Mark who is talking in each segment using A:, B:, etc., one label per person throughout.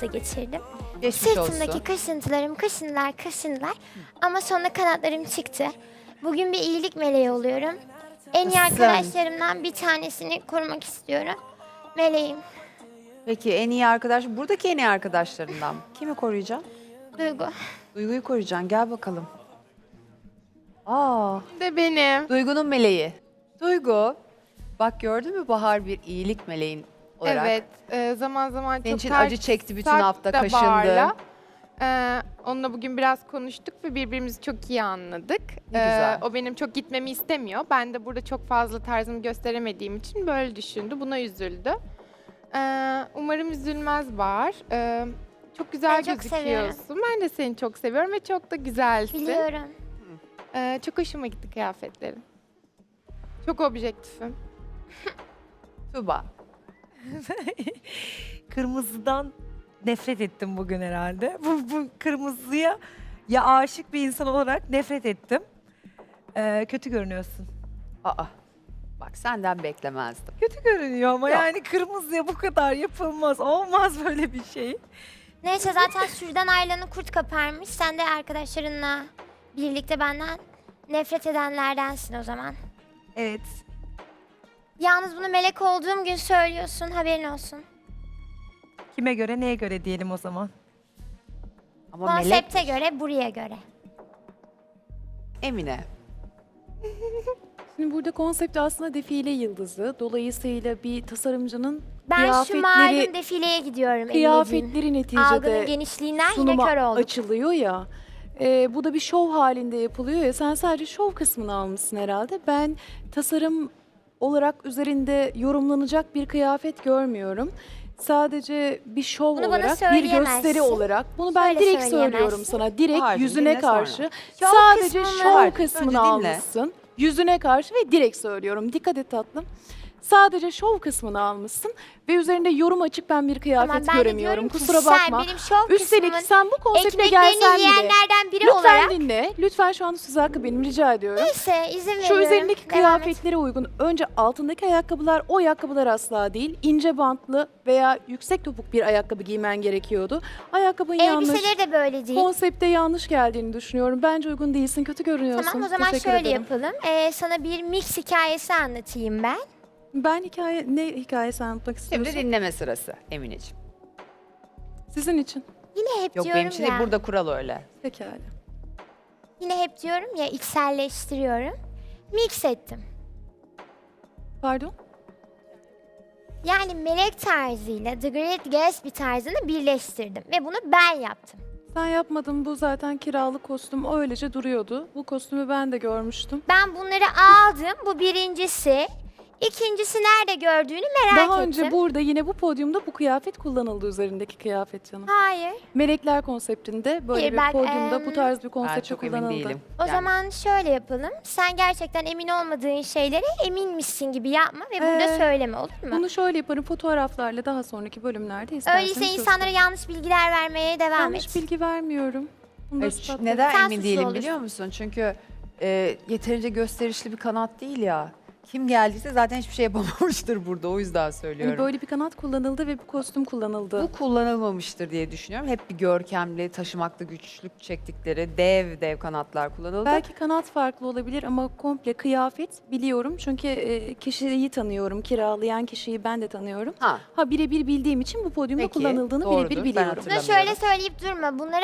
A: hasta geçirdim.
B: Geçmiş
A: Sırtımdaki
B: olsun.
A: kaşıntılar. Ama sonra kanatlarım çıktı. Bugün bir iyilik meleği oluyorum. En iyi
B: Nasılsın?
A: arkadaşlarımdan bir tanesini korumak istiyorum. Meleğim,
B: Peki en iyi arkadaş, buradaki en iyi arkadaşlarından kimi koruyacaksın?
A: Duygu.
B: Duygu'yu koruyacaksın. Gel bakalım. Aa,
C: De benim.
B: Duygu'nun meleği. Duygu, bak gördün mü Bahar bir iyilik meleğin olarak.
C: Evet. Zaman zaman
B: Senin
C: çok
B: için
C: ters
B: acı çekti bütün
C: sert
B: hafta,
C: de
B: kaşındı.
C: Bahar'la. Onunla bugün biraz konuştuk ve birbirimizi çok iyi anladık.
B: Ne güzel.
C: O benim çok gitmemi istemiyor. Ben de burada çok fazla tarzımı gösteremediğim için böyle düşündü. Buna üzüldü. Umarım üzülmez Bahar. Çok güzel
A: Seni çok
C: gözüküyorsun. Ben de seni çok seviyorum ve çok da güzelsin.
A: Biliyorum.
C: Çok hoşuma gitti kıyafetlerin. Çok objektifim.
B: Tuba.
D: Kırmızıdan nefret ettim bugün herhalde. Bu kırmızıya ya aşık bir insan olarak nefret ettim. Kötü görünüyorsun.
B: Aa, bak senden beklemezdim.
D: Kötü görünüyor ama
B: Yok.
D: yani kırmızıya bu kadar yapılmaz. Olmaz böyle bir şey.
A: Neyse zaten sürüden ayrılanı kurt kaparmış. Sen de arkadaşlarınla birlikte benden nefret edenlerdensin o zaman.
D: Evet.
A: Yalnız bunu melek olduğum gün söylüyorsun, haberin olsun.
D: Kime göre neye göre diyelim o zaman.
B: Ama melek
A: Konsepte göre, buraya göre.
B: Emine.
E: Şimdi burada konsept aslında defile yıldızı. Dolayısıyla bir tasarımcının
A: Ben şu malum defileye gidiyorum Emine'ciğim.
E: kıyafetleri
A: Algının
E: neticede
A: genişliğinden yine
E: sunuma
A: kör olduk.
E: açılıyor ya. Bu da bir şov halinde yapılıyor ya. Sen sadece şov kısmını almışsın herhalde. Ben tasarım olarak üzerinde yorumlanacak bir kıyafet görmüyorum. Sadece bir şov
A: Bunu bana
E: olarak, bir
A: söyleyemezsin.
E: gösteri olarak. Bunu ben
A: Şöyle
E: direkt
A: söyleyemezsin.
E: söylüyorum sana. Direkt
B: Bahar'cığım,
E: yüzüne
B: dinle sonra.
E: karşı.
A: Şov
E: Sadece
A: kısmını-
E: şov
B: Bahar,
E: kısmını
B: önce dinle.
E: almışsın. Yüzüne karşı ve direkt söylüyorum. Dikkat et tatlım. Sadece şov kısmını almışsın ve üzerinde yorum açık ben bir kıyafet
A: Tamam, ben de
E: göremiyorum.
A: diyorum ki
E: Kusura
A: sen
E: bakma.
A: benim şov
E: Üstelik
A: kısmımın
E: sen bu konsepte
A: ekmeklerini
E: gelsen bile.
A: yiyenlerden biri
E: Lütfen
A: olarak.
E: dinle. Lütfen şu an söz hakkı benim rica ediyorum.
A: Neyse izin veriyorum.
E: Şu üzerindeki
A: Devam et.
E: kıyafetlere uygun. Önce altındaki ayakkabılar o ayakkabılar asla değil. İnce bantlı veya yüksek topuk bir ayakkabı giymen gerekiyordu. Ayakkabın yanlış.
A: Elbiseleri de böyle değil.
E: Konsepte yanlış geldiğini düşünüyorum. Bence uygun değilsin. Kötü görünüyorsun.
A: Tamam o zaman
E: Teşekkür
A: şöyle
E: ederim.
A: yapalım. Sana bir mix hikayesi anlatayım ben.
E: Ben ne hikayesi anlatmak
B: Şimdi
E: istiyorsun?
B: dinleme sırası Emineciğim.
E: Sizin için.
A: Yine hep
B: Yok
A: diyorum
B: benim için
A: ya.
B: değil, burada kural öyle.
E: Pekala.
A: Yine hep diyorum ya içselleştiriyorum. Mix ettim.
E: Pardon?
A: Yani melek tarzıyla The Great Gatsby tarzını birleştirdim. Ve bunu ben yaptım.
E: Sen yapmadın. Bu zaten kiralık kostüm. O öylece duruyordu. Bu kostümü ben de görmüştüm.
A: Ben bunları aldım. Bu birincisi. İkincisi nerede gördüğünü merak
E: Daha
A: ettim.
E: önce burada yine bu podyumda bu kıyafet kullanıldı üzerindeki kıyafet canım.
A: Hayır.
E: Melekler konseptinde böyle
A: Hayır,
E: bir
A: ben,
E: podyumda bu tarz bir
B: Ben
E: konsepte
B: çok emin
E: kullanıldı.
B: değilim.
A: O
B: Yani
A: zaman şöyle yapalım. Sen gerçekten emin olmadığın şeylere eminmişsin gibi yapma ve burada
E: Ee,
A: söyleme olur mu?
E: Bunu şöyle yaparım fotoğraflarla daha sonraki bölümlerde isterseniz.
A: Öyleyse insanlara yanlış bilgiler vermeye devam
E: yanlış
A: et.
E: bilgi vermiyorum. Bunu da
B: Evet,
E: ispatlarım.
B: neden
A: Sen
B: emin
A: suçlu
B: değilim
A: olursun.
B: biliyor musun? Çünkü yeterince gösterişli bir kanat değil ya. Kim geldiyse zaten hiçbir şey yapamamıştır burada. O yüzden
E: Yani
B: söylüyorum.
E: böyle bir kanat kullanıldı ve bu kostüm kullanıldı.
B: Bu kullanılmamıştır diye düşünüyorum. Hep bir görkemli, taşımakta güçlük çektikleri dev kanatlar kullanıldı.
E: Belki kanat farklı olabilir ama komple kıyafet biliyorum. Çünkü kişiyi tanıyorum. Kiralayan kişiyi ben de tanıyorum.
B: Ha,
E: Birebir bildiğim için bu podyumda
B: Peki,
E: kullanıldığını
B: doğrudur.
E: birebir
B: Ben
E: biliyorum.
A: Buna
B: hatırlamıyorum.
A: şöyle söyleyip durma. Bunları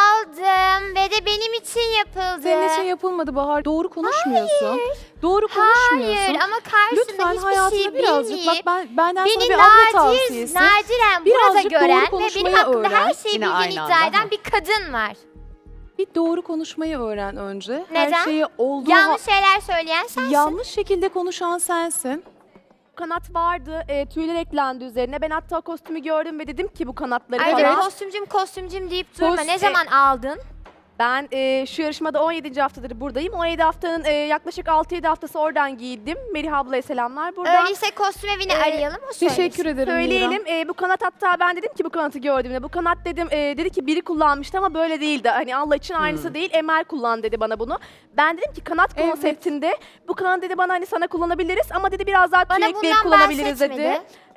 A: aldım ve de benim için yapıldı.
E: Senin için yapılmadı Bahar. Doğru konuşmuyorsun. Doğru konuşmuyorsun.
A: Hayır ama karşısında
E: Lütfen
A: hiçbir
E: hayatına
A: şey
E: birazcık
A: bilmeyip
E: benden sana
A: beni
E: bir abla tavsiyesi.
A: nadiren burada
E: Birazcık doğru
A: gören ve benim
E: konuşmayı
A: hakkımda her
E: öğren.
A: şeyi
B: Yine
A: bildiğini
B: aynı
A: iddia
B: anda,
A: eden
B: ha.
A: bir kadın var.
E: Bir doğru konuşmayı öğren önce.
A: Neden?
E: Her şeyi olduğu
A: Yanlış şeyler söyleyen sensin.
E: yanlış şekilde konuşan sensin.
F: Kanat vardı, tüyler eklendi üzerine. Ben hatta kostümü gördüm ve dedim ki bu kanatları
A: Ayrıca
F: falan.
A: kostümcüm deyip durma.
E: Kos-
A: Ne zaman aldın?
F: Ben şu yarışmada 17. haftadır buradayım. 17 haftanın yaklaşık 6-7 haftası oradan giydim. Melih ablaya selamlar buradan.
A: Öyleyse kostüm evini
F: Ee,
A: arayalım o söylesin.
E: Teşekkür ederim
F: Söyleyelim.
E: Mira.
F: Bu kanat hatta ben dedim ki bu kanatı gördüğümde. Bu kanat dedim dedi ki biri kullanmıştı ama böyle değildi. Hani Allah için aynısı değil. Emel kullan dedi bana bunu. Ben dedim ki kanat
E: Evet.
F: konseptinde bu kanat dedi bana hani sana kullanabiliriz ama dedi biraz daha tüy
A: Bana
F: ekleyip
A: bundan
F: kullanabiliriz
A: bahsetmedi.
F: dedi.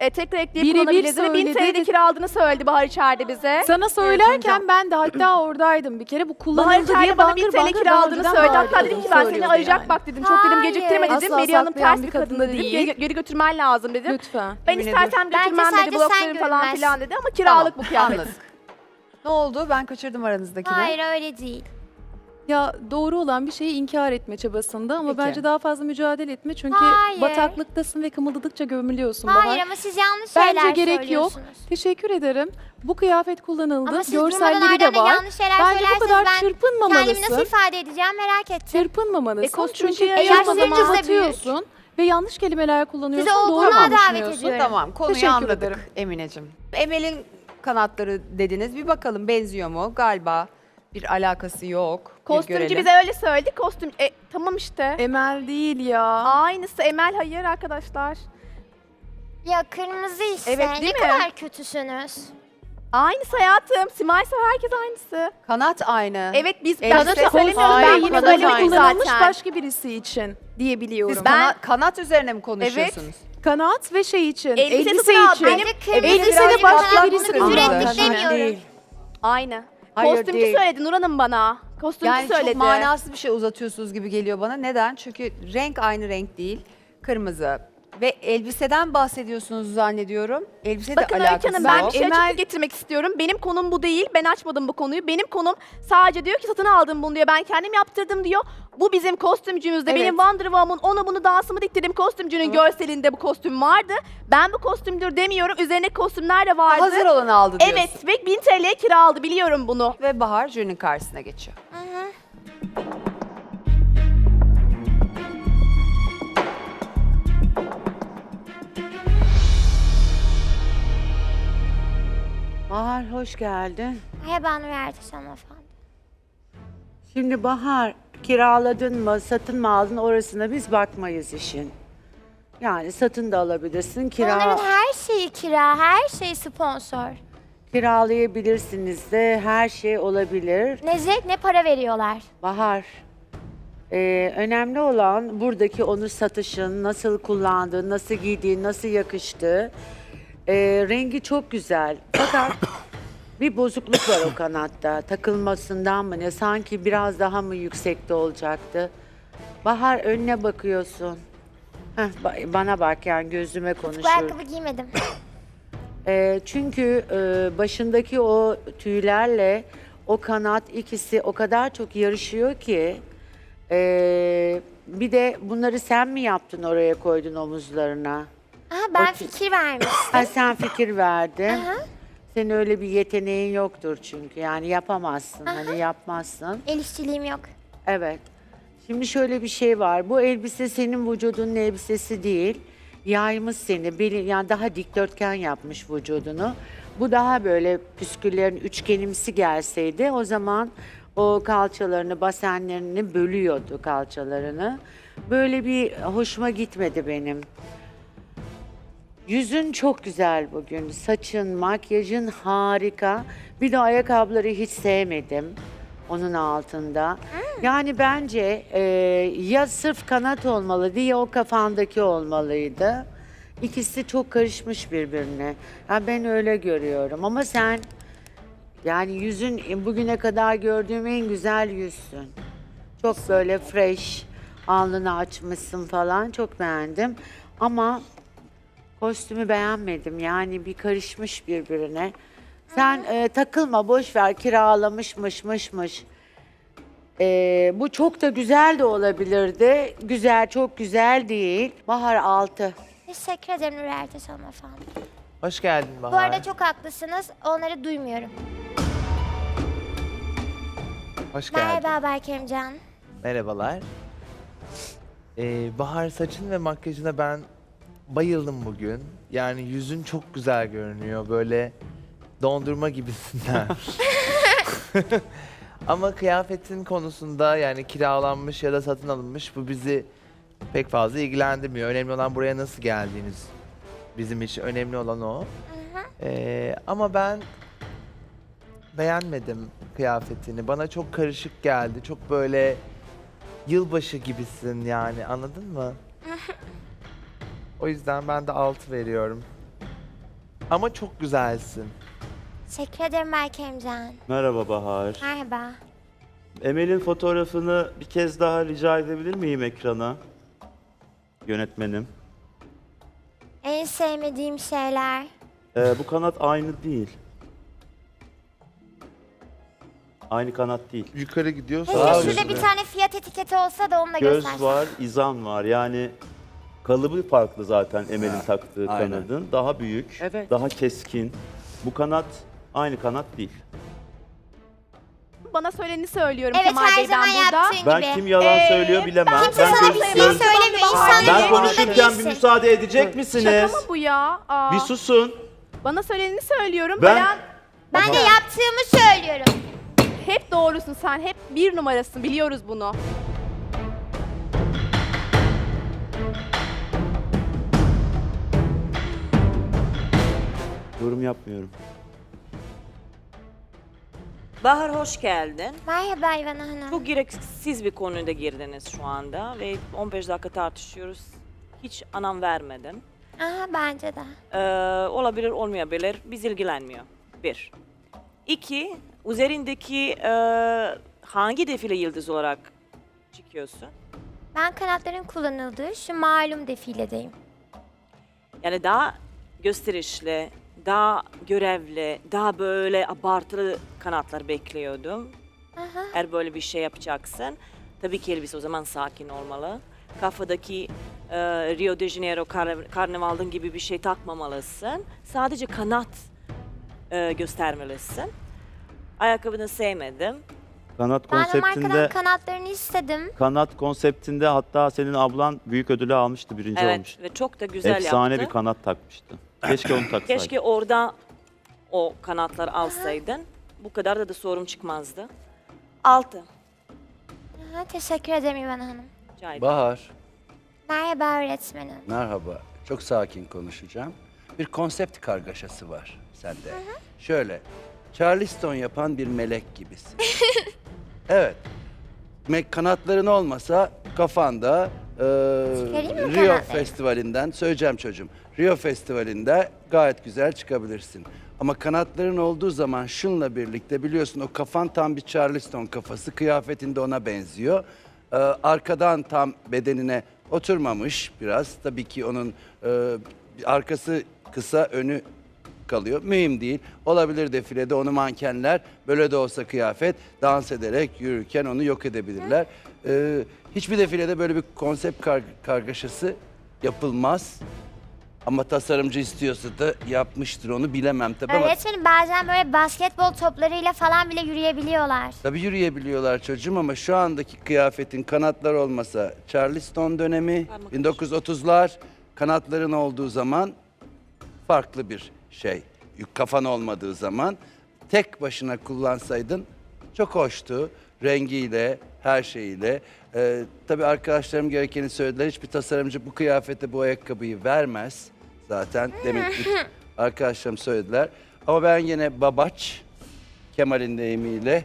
F: tekrar ekleyip
E: Birebir
F: kullanabilirdi ve 1000
E: söyledi.
F: TL'de kiraladığını söyledi Bahar içeride bize.
E: Sana söylerken ben de hatta oradaydım bir kere. Bu
F: Bahar
E: kullanıldı diye
F: içeride bana 1000
E: bangır
F: TL
E: bangır daha
F: kiraladığını
E: önceden
F: söyledi.
E: vardı.
F: Hatta dedim ki ben seni
E: Söylüyordu
F: arayacak
E: yani.
F: bak dedim. Çok dedim
A: Hayır.
F: geciktirme dedim.
E: Asla
F: Meri Hanım
E: saklayan
F: ters
E: bir
F: bir
E: kadın
F: kadın
E: da
F: dedim.
E: değil.
F: Geri götürmen lazım dedim.
E: Lütfen.
F: Ben
B: Emine
F: istersen
A: Bence
F: götürmem
A: sadece
F: dedi.
A: sen
F: Bloklarım falan
A: görünmez.
F: filan dedi ama kiralık bu kıyafet.
B: Anladık. Ne oldu? Ben kaçırdım aranızdakini.
A: Hayır öyle değil.
E: Ya doğru olan bir şeyi inkar etme çabasında ama
B: Peki.
E: bence daha fazla mücadele etme. Çünkü
A: Hayır.
E: bataklıktasın ve kımıldadıkça gömülüyorsun Bahar.
A: Hayır ama siz yanlış
E: Bence
A: şeyler
E: gerek yok.
A: söylüyorsunuz.
E: Teşekkür ederim. Bu kıyafet kullanıldı.
A: Ama siz durmadan
E: Görselleri de
A: Arda'na
E: var.
A: yanlış şeyler
E: Bence bu
A: söylerseniz
E: kadar
A: ben kendimi
E: çırpınmamalısın.
A: nasıl ifade edeceğim merak ettim.
E: Çırpınmamalısın.
F: kostüm
E: Çünkü
F: çünkü
E: yaşlanınca
A: yaşlanınca
E: batıyorsun ve yanlış kelimeler kullanıyorsun.
A: Sizi
E: Doğru
A: olgunluğa
E: mu
A: davet
E: düşünüyorsun?
A: ediyorum.
B: Tamam, konuyu
E: Teşekkür
B: anladık
E: ederim.
B: Emineciğim. Emel'in kanatları dediniz. Bir bakalım benziyor mu? Galiba bir alakası yok. Bir
F: Kostümcü
B: görelim.
F: bize öyle söyledi. Kostüm tamam işte.
E: Emel değil ya.
F: Aynısı Emel hayır arkadaşlar.
A: Ya kırmızı işte.
F: Evet,
A: ne
F: değil mi?
A: kadar kötüsünüz.
F: Aynısı hayatım. Simay ise herkes aynısı.
B: Kanat aynı.
F: Evet biz
B: Evet,
F: ben
B: işte
F: size söylemiyorum.
B: hayır,
F: Ben
B: yine
F: bunu
B: kanat
F: söylemedim
B: aynı.
E: kullanılmış
F: zaten.
E: başka birisi için diyebiliyorum.
B: Siz
F: Ben-
B: kanat üzerine mi konuşuyorsunuz?
E: Kanat ve şey için,
F: Elbise
E: elbise
F: satın al.
E: için.
F: Benim-
A: Bence kırmızı
E: elbise de
A: söyledi,
E: başka
A: ben
E: birisi
A: bunu küfür
E: kullandı.
A: ettik demiyorum.
F: Aynı.
B: Hayır,
F: Kostümcü
B: değil.
F: söyledi Nur Hanım bana. Kostümcü
B: Yani
F: söyledi.
B: çok manasız bir şey uzatıyorsunuz gibi geliyor bana. Neden? Çünkü renk aynı renk değil. Kırmızı. Ve elbiseden bahsediyorsunuz zannediyorum. Elbise
F: Bakın
B: de
F: Öykü
B: alakası
F: Hanım ben
B: yok.
F: bir şey açıklık getirmek istiyorum. Benim konum bu değil. Ben açmadım bu konuyu. Benim konum sadece diyor ki satın aldım bunu diyor. Ben kendim yaptırdım diyor. Bu bizim kostümcümüzde.
B: Evet.
F: Benim Wonder Woman onu bunu dansımı diktirdim. Kostümcünün görselinde bu kostüm vardı. Ben bu kostümdür demiyorum. Üzerine kostümler de vardı.
B: Hazır olanı aldı diyorsun.
F: Evet ve 1000 TL'ye kira aldı biliyorum bunu.
B: Ve Bahar jürinin karşısına geçiyor.
G: Bahar hoş geldin.
A: Merhaba Nur Ertaş hanımefendi.
G: Şimdi Bahar kiraladın mı, satın mı aldın orasına biz bakmayız işin. Yani satın da alabilirsin,
A: Onların her şeyi kira, her şey sponsor.
G: kiralayabilirsiniz de her şey olabilir.
A: Ne zevk ne para veriyorlar.
G: Bahar, önemli olan buradaki onu satışın, nasıl kullandığın, nasıl giydiğin, nasıl yakıştığı. Rengi çok güzel. Fakat bir bozukluk var o kanatta. Takılmasından mı ne? Sanki biraz daha mı yüksekte olacaktı? Bahar önüne bakıyorsun. Heh, bana bak yani gözüme
A: Bu
G: konuşur.
A: ayakkabı giymedim.
G: Çünkü başındaki o tüylerle o kanat ikisi o kadar çok yarışıyor ki bir de bunları sen mi yaptın oraya koydun omuzlarına?
A: Aha, ben
G: O-
A: fikir vermiştim.
G: Ha, sen fikir verdin.
A: Aha.
G: Senin öyle bir yeteneğin yoktur çünkü yani yapamazsın hani yapmazsın.
A: El işçiliğim yok.
G: Evet. Şimdi şöyle bir şey var. Bu elbise senin vücudunun elbisesi değil. Yaymış seni. Yani daha dikdörtgen yapmış vücudunu. Bu daha böyle püsküllerin üçgenimsi gelseydi o zaman o kalçalarını, basenlerini bölüyordu kalçalarını. Böyle bir hoşuma gitmedi benim. Yüzün çok güzel bugün. Saçın, makyajın harika. Bir de ayakkabıları hiç sevmedim onun altında. Yani bence ya sırf kanat olmalıydı ya o kafandaki olmalıydı. İkisi çok karışmış birbirine. Ya ben öyle görüyorum ama sen yani yüzün bugüne kadar gördüğüm en güzel yüzsün. Çok böyle fresh, alnını açmışsın falan çok beğendim. Ama kostümü beğenmedim yani bir karışmış birbirine. Sen takılma boş ver kiralamışmış. Bu çok da güzel de olabilirdi. Güzel çok güzel değil. Bahar 6.
A: Teşekkür ederim Nur Ertaş hanımefendi.
H: Hoş geldin Bahar.
A: Bu arada çok haklısınız. Onları duymuyorum.
H: Hoş geldin.
A: Merhaba Berkemcan.
H: Merhabalar. Bahar saçın ve makyajına ben bayıldım bugün. Yani yüzün çok güzel görünüyor. Böyle dondurma gibisinden. Ama kıyafetin konusunda yani kiralanmış ya da satın alınmış bu bizi pek fazla ilgilendirmiyor. Önemli olan buraya nasıl geldiğiniz. Bizim için önemli olan o. Ama ben beğenmedim kıyafetini. Bana çok karışık geldi. Çok böyle yılbaşı gibisin yani anladın mı? O yüzden ben de 6 veriyorum. Ama çok güzelsin.
A: Teşekkür ederim Berke Emcan.
I: Merhaba Bahar.
A: Merhaba.
I: Emel'in fotoğrafını bir kez daha rica edebilir miyim ekrana? Yönetmenim.
A: En sevmediğim şeyler.
I: Bu kanat aynı değil. Aynı kanat değil.
H: Yukarı gidiyorsa
A: Keşke
I: Daha
A: şurada
I: üstüne.
A: bir tane fiyat etiketi olsa da onu da
I: Göz
A: göstersen.
I: var, izan var. Yani kalıbı farklı zaten Emel'in taktığı
J: aynen.
I: kanadın. Daha büyük,
G: Evet.
I: daha keskin. Bu kanat aynı kanat değil.
F: Bana söyleneni söylüyorum
A: Evet,
F: Kemal
A: her
F: Bey,
A: zaman
F: ben burada.
A: yaptığın
I: Ben
A: gibi.
I: kim yalan söylüyor bilemem.
A: Kimse sana bir şey
I: göz-
A: söylemiyor. İnsanların
I: Ben
A: umurunda
I: konuşurken bir
A: değilsin.
I: müsaade edecek
F: Şaka
I: misiniz?
F: mı bu ya? Aa,
I: Bir susun.
F: bana söyleneni söylüyorum.
I: Ben-
A: Ben de yaptığımı söylüyorum.
F: Hep doğrusun sen. Hep bir numarasın. Biliyoruz bunu.
I: Yorum yapmıyorum.
K: Bahar hoş geldin.
A: Merhaba İvana Hanım.
K: Çok gereksiz bir konuda girdiniz şu anda ve 15 dakika tartışıyoruz. Hiç anlam vermedin.
A: Aha, bence de.
K: Olabilir olmayabilir. Biz ilgilenmiyor. Bir. İki, üzerindeki hangi defile yıldız olarak çıkıyorsun?
A: Ben kanatların kullanıldığı şu malum defiledeyim.
K: Yani daha gösterişli, daha görevli, daha böyle abartılı kanatlar bekliyordum.
A: Aha.
K: Eğer böyle bir şey yapacaksın, tabii ki elbise o zaman sakin olmalı. Kafadaki Rio de Janeiro karnavalın gibi bir şey takmamalısın. Sadece kanat göstermelisin. Ayakkabını sevmedim.
I: Kanat
A: Ben de markadan
I: konseptinde
A: kanatlarını istedim.
I: kanat konseptinde hatta senin ablan büyük ödülü almıştı, birinci
K: Evet
I: olmuştu.
K: ve çok da güzel
I: Efsane
K: yaptı.
I: bir kanat takmıştı. Keşke onu taksaydın.
K: Keşke orada o kanatlar alsaydın. Bu kadar da sorun çıkmazdı. 6.
A: Aha, teşekkür ederim İvana Hanım.
K: Rica ederim.
J: Bahar,
A: Merhaba öğretmenim.
J: merhaba. Çok sakin konuşacağım. Bir konsept kargaşası var sende. Şöyle, Charleston yapan bir melek gibisin. Evet. Kanatların olmasa kafanda
A: Çıkarayım mı
J: Rio
A: kanatları?
J: Festivali'nden, söyleyeceğim çocuğum, Rio Festivali'nde gayet güzel çıkabilirsin. Ama kanatların olduğu zaman şunla birlikte biliyorsun o kafan tam bir Charleston kafası, kıyafetinde ona benziyor. Arkadan tam bedenine oturmamış biraz. Tabii ki onun arkası kısa, önü kalıyor. Mühim değil. Olabilir defilede onu mankenler böyle de olsa kıyafet dans ederek yürürken onu yok edebilirler. Hiçbir defilede böyle bir konsept kargaşası yapılmaz. Ama tasarımcı istiyorsa da yapmıştır, onu bilemem tabii ama
A: Öğretmenim bazen böyle basketbol toplarıyla falan bile yürüyebiliyorlar.
J: tabii yürüyebiliyorlar çocuğum ama şu andaki kıyafetin kanatlar olmasa Charleston dönemi,
K: Parmak
J: 1930'lar kanatların olduğu zaman farklı bir şey. Kafan olmadığı zaman tek başına kullansaydın çok hoştu. Rengiyle, her şeyiyle. Tabii arkadaşlarım gerekeni söylediler. Hiçbir tasarımcı bu kıyafete bu ayakkabıyı vermez. Zaten demin arkadaşlarım söylediler. Ama ben yine babaç, Kemal'in deyimiyle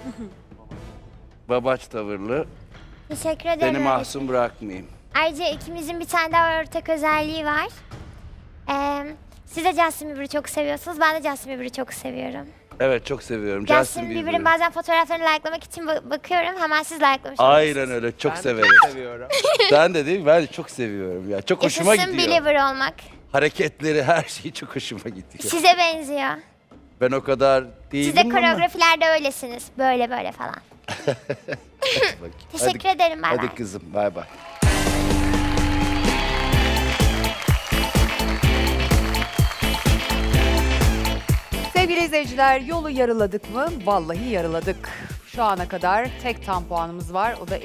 J: babaç tavırlı,
A: Teşekkür ederim
J: seni
A: öğretmenim.
J: mahzun bırakmayayım.
A: Ayrıca ikimizin bir tane daha ortak özelliği var. Siz de Justin Bieber'ı çok seviyorsunuz. Ben de Justin Bieber'ı çok seviyorum.
J: Evet, çok seviyorum.
A: Justin Bieber'ın bazen fotoğraflarını likelamak için bakıyorum. Hemen siz likelamış
J: Aynen öyle, çok
H: ben de
J: severim.
H: çok seviyorum.
J: Sen de değil mi? Ben de çok seviyorum ya. Çok hoşuma
A: Yaşasın
J: gidiyor.
A: believer olmak.
J: Hareketleri, her şeyi çok hoşuma gidiyor.
A: Size benziyor.
J: Ben o kadar değilim
A: Siz de
J: ama.
A: koreografilerde öylesiniz. Böyle böyle falan.
J: Bakayım.
A: Teşekkür
J: Hadi-
A: ederim. Bay bay.
J: Hadi kızım, bay bay.
B: Sevgili izleyiciler, yolu yarıladık mı? Vallahi yarıladık. Şu ana kadar tek tam puanımız var. O da